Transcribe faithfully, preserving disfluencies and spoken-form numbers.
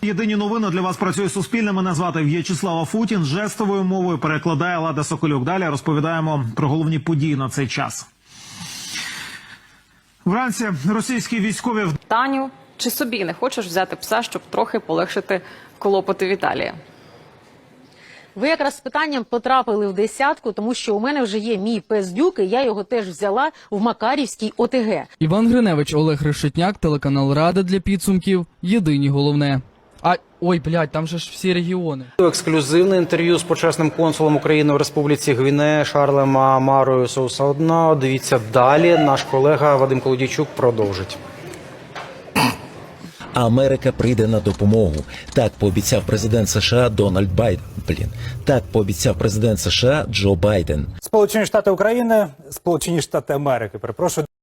Єдині новини для вас працює Суспільне. Мене звати В'ячеслав Афутін. Жестовою мовою перекладає Лада Соколюк. Далі розповідаємо про головні події на цей час. Вранці російські військові... Таню, чи собі не хочеш взяти пса, щоб трохи полегшити клопоти Віталія? Ви якраз з питанням потрапили в десятку, тому що у мене вже є мій пес Дюк, і я його теж взяла в Макарівській О Те Ге. Іван Гриневич, Олег Решетняк, телеканал Рада для підсумків. Єдині головне. А, ой, блядь, там же ж всі регіони. Ексклюзивне інтерв'ю з почесним консулом України в Республіці Гвінея Шарлем Амарою Соусаодна. Дивіться далі. Наш колега Вадим Колодійчук продовжить. Америка прийде на допомогу. Так пообіцяв президент США Дональд Байден. Блін. Так пообіцяв президент США Джо Байден. Сполучені Штати України, Сполучені Штати Америки, перепрошую.